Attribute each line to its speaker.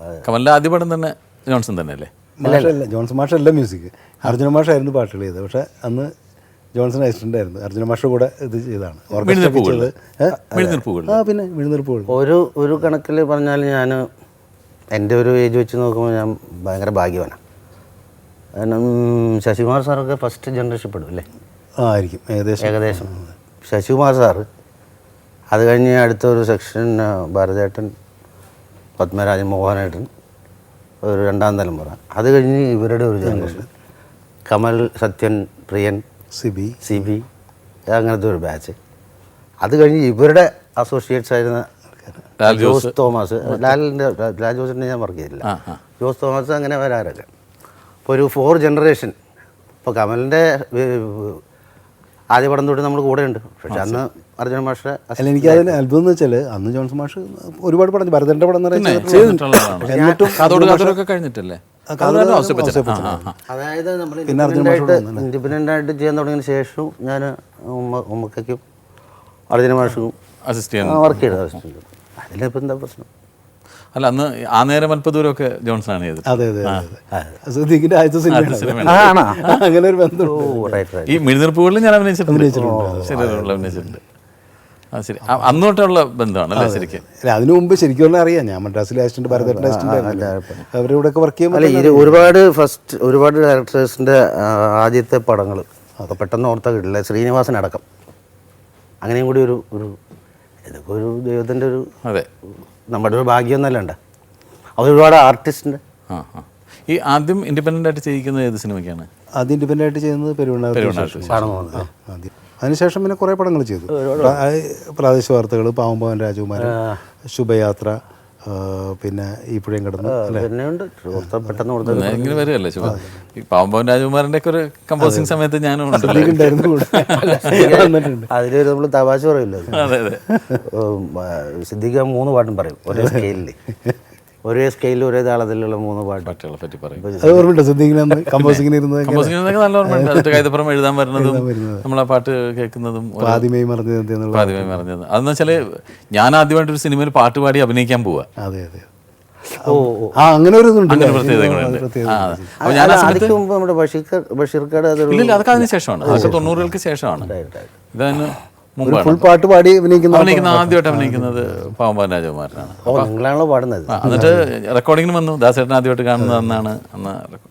Speaker 1: കമലിൻ്റെ ആദ്യ പടം തന്നെ ജോൺസൺ തന്നെ അല്ലേ?
Speaker 2: മാഷല്ല, ജോൺസൺ മാഷല്ല മ്യൂസിക്, അർജുന മാഷായിരുന്നു പാട്ടുകൾ ചെയ്തത്. പക്ഷേ അന്ന് ജോൺസൺ അസിസ്റ്റൻ്റ് ആയിരുന്നു. അർജുന മാഷ കൂടെ ഇത് ചെയ്താണ്
Speaker 1: പിന്നെ
Speaker 2: വിഴുന്നിർപ്പുകൾ.
Speaker 3: ഒരു കണക്കിൽ പറഞ്ഞാൽ ഞാൻ എൻ്റെ ഒരു ഏജ് വെച്ച് നോക്കുമ്പോൾ ഞാൻ ഭയങ്കര ഭാഗ്യവാനാണ്. കാരണം ശശികുമാർ സാറൊക്കെ ഫസ്റ്റ് ജനറേഷൻ പെടും അല്ലേ?
Speaker 2: ആയിരിക്കും ഏകദേശം.
Speaker 3: ശശികുമാർ സാറ്, അത് കഴിഞ്ഞ് അടുത്തൊരു സെക്ഷൻ ഭാരതേട്ടൻ, പത്മരാജൻ, മോഹനേട്ടൻ, ഒരു രണ്ടാം തലമുറ. അത് കഴിഞ്ഞ് ഇവരുടെ ഒരു ജനറേഷൻ, കമൽ, സത്യൻ, പ്രിയൻ, സി ബി, അങ്ങനത്തെ ഒരു ബാച്ച്. അത് കഴിഞ്ഞ് ഇവരുടെ അസോസിയേറ്റ്സ് ആയിരുന്ന ജോസ് തോമസ്, ലാൽ ജോസിനെ ഞാൻ വർക്ക് ചെയ്തില്ല, ജോസ് തോമസ്, അങ്ങനെ വരാറൊക്കെ. ഇപ്പോൾ ഒരു 4 ജനറേഷൻ. ഇപ്പോൾ കമലിൻ്റെ ആദ്യ പടം തൊട്ട് നമ്മൾ കൂടെ ഉണ്ട്. പക്ഷെ അന്ന് അർജുന മാഷ.
Speaker 2: അല്ല, എനിക്ക് അതിന് അത്ഭുതം എന്ന് വെച്ചാൽ അന്ന് ജോൺസൺ മാഷ് ഒരുപാട് പടം, ഭരതൻ്റെ പടം
Speaker 1: കഴിഞ്ഞിട്ടല്ലേ?
Speaker 3: അതായത് നമ്മൾ ഇൻഡിപെൻഡൻ്റ് ആയിട്ട് ചെയ്യാൻ തുടങ്ങിയതിന് ശേഷവും ഞാൻ ഉമ്മക്കും അർജുന മാഷും വർക്ക് ചെയ്തത്. അതിലിപ്പോൾ എന്താ പ്രശ്നം?
Speaker 1: അല്ല, അന്ന് ആ നേരം അല്പദൂരമൊക്കെ ജോൺസണാണ് ചെയ്തത്.
Speaker 2: അതെ. അങ്ങനെ ഒരു ബന്ധം.
Speaker 1: ഈ മിഴുന്നിർപ്പുകളിൽ ഞാൻ അഭിനയിച്ചിട്ടുണ്ട്. ശരി, അന്ന് തൊട്ടുള്ള ബന്ധമാണ് അല്ലേ ശരിക്കും?
Speaker 2: അതിനു മുമ്പ് ശരിക്കും അറിയാം, ഞാൻ മദ്രാസിലെ അസിസ്റ്റന്റ്, ഭരതേട്ടൻ്റെ അസിസ്റ്റന്റ്, അവരുടെ ഒക്കെ വർക്ക്
Speaker 3: ചെയ്യുമ്പോൾ ഒരുപാട് ഡയറക്ടേഴ്സിൻ്റെ ആദ്യത്തെ പടങ്ങൾ അപ്പോൾ പെട്ടെന്ന് ഓർത്താ കിട്ടില്ല. ശ്രീനിവാസൻ അടക്കം. അങ്ങനെയും കൂടി ഒരു ഇതൊക്കെ ഒരു ദൈവത്തിൻ്റെ ഒരു, അതെ, നമ്മുടെ ഒരു ഭാഗ്യം എന്നല്ലാണ്ട് ഒരുപാട് ആർട്ടിസ്റ്റിൻ്റെ.
Speaker 1: ഈ ആദ്യം ഇൻഡിപെൻഡൻ്റ് ആയിട്ട് ചെയ്യിക്കുന്നത് ഏത് സിനിമയ്ക്കാണ്?
Speaker 2: ആദ്യം ഇൻഡിപെൻഡൻ്റ് ആയിട്ട് ചെയ്യുന്നത് പെരുവണ്ണാർ. അതിനുശേഷം പിന്നെ കുറേ പടങ്ങൾ ചെയ്തു. പ്രാദേശിക വാർത്തകൾ, പാവം രാജകുമാരൻ, ശുഭയാത്ര, പിന്നെ ഈ പുഴയും കടന്ന്
Speaker 1: ഇങ്ങനെ വരികയല്ലേ ശുഭ. ഈ പാവം രാജകുമാരൻ്റെ ഒക്കെ ഒരു കമ്പോസിങ് സമയത്ത് ഞാനും
Speaker 3: അതിൽ നമ്മൾ തമാശ പറയില്ല.
Speaker 1: അതെ അതെ,
Speaker 3: സിദ്ദിഖ് 3 പാട്ടും പറയും ഒരേ സ്കെയിലിൽ, ഒരേ സ്കെയിലിൽ ഒരേ താളത്തിലുള്ള 3 പാട്ടുകളെ പറ്റി പറയും.
Speaker 1: കമ്പോസിങ്ങിന് നല്ല ഓർമ്മയുണ്ട്. കൈതപ്പുറം എഴുതാൻ വരുന്നതും നമ്മളാ പാട്ട് കേൾക്കുന്നതും
Speaker 2: ആദ്യമേ മറഞ്ഞത്.
Speaker 1: അതെന്ന് വെച്ചാല് ഞാൻ ആദ്യമായിട്ടൊരു സിനിമയിൽ പാട്ട് പാടി അഭിനയിക്കാൻ പോവാ.
Speaker 2: അതെ. അങ്ങനെ ഒരു
Speaker 1: പ്രത്യേകതകളുണ്ട്. അതൊക്കെ അതിന് ശേഷമാണ്, അതൊക്കെ 90-കൾക്ക് ശേഷമാണ്. ഇതതിന്
Speaker 2: ഫുൾ പാട്ട് പാടി
Speaker 1: ആദ്യമായിട്ട് അഭിനയിക്കുന്നത് പാവം രാജകുമാരനാണ്.
Speaker 3: പാടുന്നത്.
Speaker 1: എന്നിട്ട് റെക്കോർഡിങ്ങിന് വന്നു. ദാസേട്ടൻ ആദ്യമായിട്ട് കാണുന്നത് അന്നാണ്. അന്ന്